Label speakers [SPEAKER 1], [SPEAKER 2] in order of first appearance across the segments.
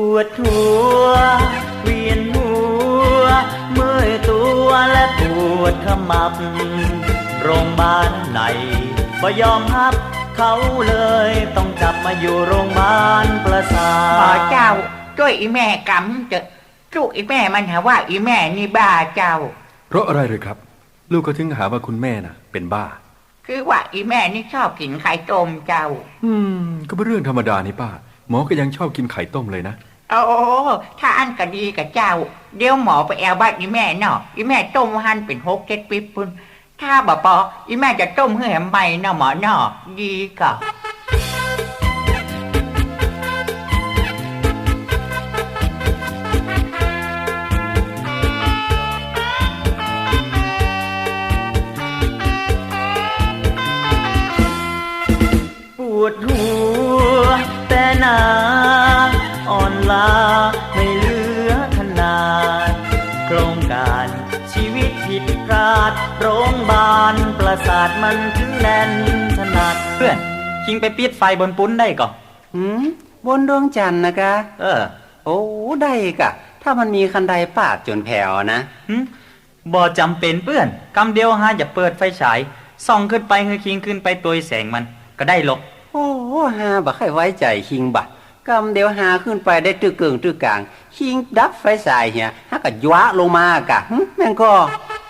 [SPEAKER 1] วดหัวเวียนหัวเมื่อยตัวและปวดขมับโรงพยาบาลไหนบ่ยอมรับเขาเลยต้องจับมาอยู่โรงพยาบาลประสาท
[SPEAKER 2] เจ้าช่วยอีแม่กำเจอะลูกอีแม่มันหาว่าอีแม่นี่บ้าเจ้า
[SPEAKER 3] เพราะอะไรเลยครับลูกก็ถึงหาว่าคุณแม่น่ะเป็นบ้า
[SPEAKER 2] คือว่าอีแม่นี่ชอบกินไข่ต้มเจ้า
[SPEAKER 3] ก็เป็นเรื่องธรรมดานี่ป้าหมอก็ยังชอบกินไข่ต้มเลยนะ
[SPEAKER 2] โอ้ถ้าอันก็ดีกับเจ้าเดี๋ยวหมอไปแอวบ้านอีแม่เนาะอีแม่ต้มหั่นเป็น6-7 ปิ๊บพุ่นถ้าบ่ปออีแม่จะต้มให้แหมใบเนาะหมอเนาะดีก็
[SPEAKER 1] ปวดหัวแต่หนาอ่อนล้าไม่เหลือขนาดโครงการชีวิตผิดพลาดโรงพยาบาลประสาทมันถึงแน่นถนัดเพื่อนคิงไปปิดไฟบนปุ้นได้ก่
[SPEAKER 4] บนดวงจันทร์นะกะโอ้ได้กะถ้ามันมีคันใดปาดจนแผ่วนะ
[SPEAKER 1] บ่จำเป็นเพื่อนกำเดียวหาอย่าเปิดไฟฉายส่องขึ้นไปคือคิงขึ้นไปตัวแสงมันก็ได้หรอก
[SPEAKER 4] โอ้หาบ่ค่อยไว้ใจคิงบะกำเดียวหาขึ้นไปได้ตึกเกิงตึกกลางคิงดับไฟฉายเหียหากะยวะลงมากะแม่งก็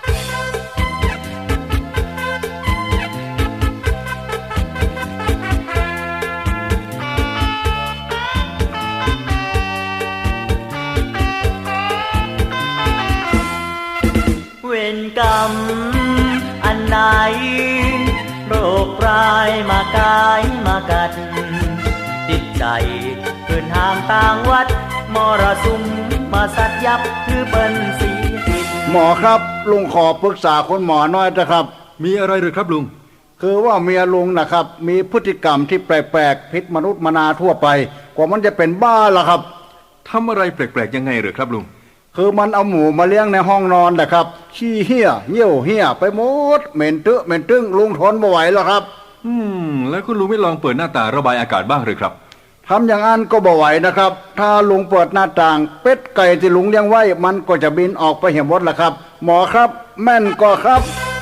[SPEAKER 1] เวรกรรมอันไหนโรคร้ายมากายมากัดติดใจเพื่อนห่างต่างวัดมรสุมมาสัตยับคือเป็นสีผิด
[SPEAKER 5] หมอครับลุงขอปรึกษาคุณหมอหน่อยนะครับ
[SPEAKER 3] มีอะไรหรือครับลุง
[SPEAKER 5] คือว่าเมียลุงนะครับมีพฤติกรรมที่แปลกๆผิดมนุษย์มนาทั่วไปกว่ามันจะเป็นบ้าล่ะครับ
[SPEAKER 3] ทำอะไรแปลกๆยังไงหรือครับลุง
[SPEAKER 5] คือมันเอาหมูมาเลี้ยงในห้องนอนแหละครับขี้เหี้ยเยี่ยวเหี้ยไปหมดเหม็นตึ๊เหม็นตึ้งลุงทนไม่ไหวแล้วครับ
[SPEAKER 3] แล้วคุณลุงไม่ลองเปิดหน้าต่างระบายอากาศบ้างหรือครับ
[SPEAKER 5] ทำอย่างนั้นก็บ่ไหวนะครับถ้าลุงเปิดหน้าต่างเป็ดไก่ที่ลุงเลี้ยงไว้มันก็จะบินออกไปเหี่ยวหมดล่ะครับหมอครับแม่นก็ครับ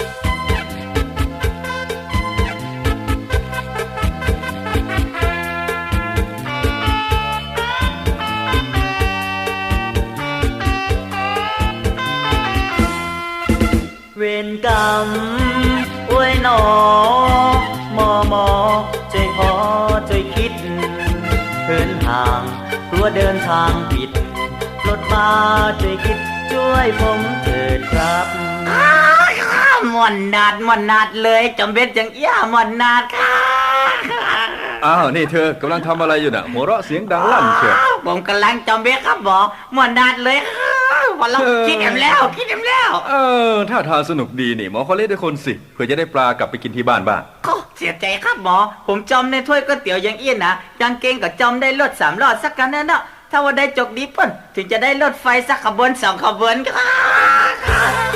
[SPEAKER 1] เวรกรรมอวยหนอมอใจพอใจคิดเดินทางกลัวเดินทางผิดรถมาใจคิดช่วยผมเถิดครับ
[SPEAKER 2] มวนนาดเลยจำเป็นจังเอี้ยมวนนาดค่ะ
[SPEAKER 3] อ้าวนี่เธอกำลังทำอะไรอยู่น่ะหัวเราะเสียงดังลั่นเชียว
[SPEAKER 2] ผมกำลังจำเป็นครับหมอมวนนาดเลยพอเราคิดเอ็มแล้ว
[SPEAKER 3] ถ้าทางสนุกดีนี่หมอขอเล่นด้วยคนสิเพื่อจะได้ปลากลับไปกินที่บ้านบ้าง
[SPEAKER 2] เสียใจครับหมอผมจำในถ้วยก๋วยเตี๋ยวยังเอี้ยนนะยังเก่งกับจำได้รถ3 รอดสักกันนั่นเนาะถ้าว่าได้จกดีป่นถึงจะได้รถไฟสักขบวน2 ขบวนครับ